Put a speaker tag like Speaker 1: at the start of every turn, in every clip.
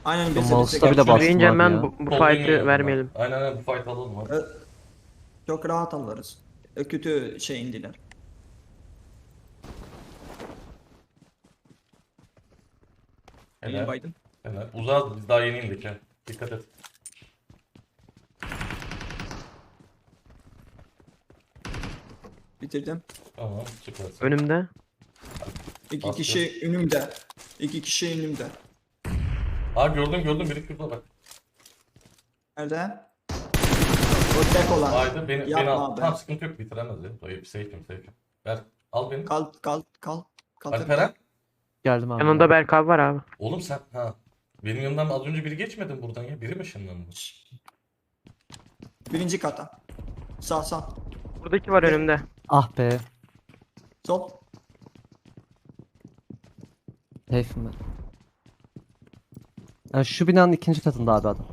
Speaker 1: Aynen
Speaker 2: Ben
Speaker 1: bize
Speaker 2: mouse'da bile
Speaker 1: gel.
Speaker 2: bastım
Speaker 3: Deyince
Speaker 2: abi
Speaker 3: ben
Speaker 2: ya.
Speaker 3: bu
Speaker 4: Sol
Speaker 3: fight'ı
Speaker 4: duymuyorum ben.
Speaker 3: vermeyelim.
Speaker 4: Aynen bu fight alalım abi.
Speaker 1: Çok rahat alırız. Kötü şey indiler. Neyin
Speaker 4: Helal.
Speaker 1: Biden?
Speaker 4: Helal. Uzağız biz daha yeni indik ha. Dikkat et.
Speaker 1: Bitirdim.
Speaker 4: Tamam süpersin.
Speaker 3: Önümde.
Speaker 1: İki
Speaker 4: Bastı.
Speaker 1: kişi önümde. İki kişi önümde.
Speaker 4: Aa gördüm biri şurada bak.
Speaker 1: Nerede? O tek olan.
Speaker 4: Haydi beni
Speaker 1: Yapma
Speaker 4: al.
Speaker 1: be.
Speaker 4: Tamam sıkıntı yok bitiremez ya. Dayı safe'im. Ver al beni.
Speaker 1: Kal.
Speaker 4: Alperen.
Speaker 2: Geldim abi.
Speaker 3: Yanında Berk abi var abi.
Speaker 4: Oğlum sen ha. Benim yanımdan az önce biri geçmedi mi buradan ya? Biri mi ışınlandı?
Speaker 1: Birinci kata. Sağ.
Speaker 3: Buradaki var önümde.
Speaker 2: Ah be.
Speaker 1: Sol.
Speaker 2: Safe'im ben. Yani şu binanın ikinci katında abi adam.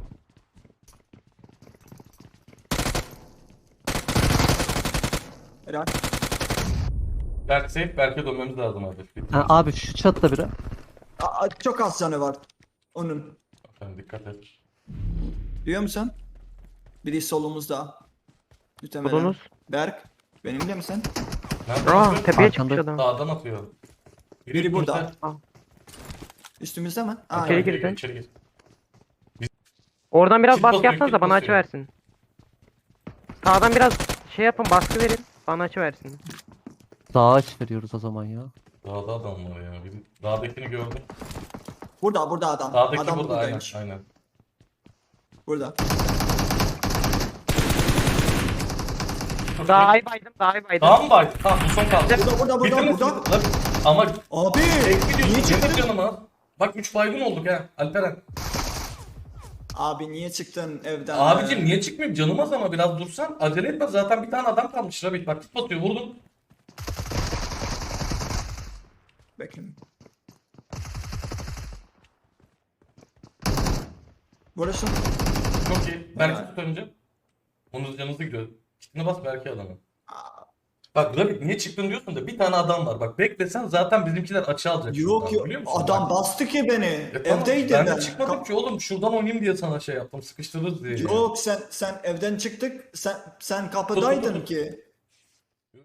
Speaker 1: Helal.
Speaker 4: Berk safe. Berk'e dönmemiz lazım abi.
Speaker 2: Ha, abi şu çatıda biri.
Speaker 1: Çok az canı var. Onun.
Speaker 4: Sen dikkat et.
Speaker 1: Duyuyor musun? Biri solumuzda. Muhtemelen.
Speaker 3: Solunuz.
Speaker 1: Berk. Benimle misin?
Speaker 4: Nerede
Speaker 3: Aa
Speaker 4: atıyor?
Speaker 3: tepeye
Speaker 2: Arkanda.
Speaker 3: çıkmış adam.
Speaker 4: Dağdan atıyor.
Speaker 1: Biri burada.
Speaker 4: üstümüzde.
Speaker 1: Üstümüzde mi?
Speaker 3: İçeri
Speaker 4: Gir,
Speaker 3: girdi.
Speaker 4: İçeri gir.
Speaker 3: Oradan biraz
Speaker 4: Kit
Speaker 3: baskı
Speaker 4: basıyor,
Speaker 3: yapsanız da
Speaker 4: kit
Speaker 3: bana
Speaker 4: basıyor.
Speaker 3: açı versin. Sağdan biraz şey yapın baskı verin. Bana açı versin.
Speaker 2: Dağa aç veriyoruz o zaman ya.
Speaker 4: Dağda adam var ya. Dağdakini gördüm.
Speaker 1: Burada adam.
Speaker 4: Dağdaki
Speaker 1: Adam
Speaker 4: burada aynen.
Speaker 1: buradaymış.
Speaker 4: Aynen.
Speaker 1: Burada.
Speaker 3: Daha iyi baydım.
Speaker 4: Tamam bay. Tamam bu son kaldı.
Speaker 1: Burada.
Speaker 4: Bitirdiniz, bitirdiniz. Ama
Speaker 1: Abi.
Speaker 4: tek gidiyorsun.
Speaker 1: Niye çıktın?
Speaker 4: Canıma. Bak 3 baygın olduk ha Alperen.
Speaker 1: Abi niye çıktın evden?
Speaker 4: Abicim niye çıkmayayım canıma ama biraz dursan. Acele etme zaten bir tane adam kalmış Rabik. Bak tip atıyor vurdum.
Speaker 1: Bekle. Burası.
Speaker 4: Çok iyi. Berk'i tut önce. Onun canınızı gidiyor. Kitine bas Berk'i adamı. Bak Rabik niye çıktın diyorsun da bir tane adam var. Bak beklesen zaten bizimkiler açı alacak.
Speaker 1: Yok
Speaker 4: şuradan, biliyor musun?
Speaker 1: adam
Speaker 4: Bak.
Speaker 1: bastı ki beni.
Speaker 4: Tamam,
Speaker 1: Evdeydim
Speaker 4: ben
Speaker 1: ben.
Speaker 4: de çıkmadım ki oğlum şuradan oynayayım diye sana şey yaptım sıkıştırırız diye.
Speaker 1: Yok sen evden çıktık. Sen kapıdaydın
Speaker 4: Tut.
Speaker 1: ki.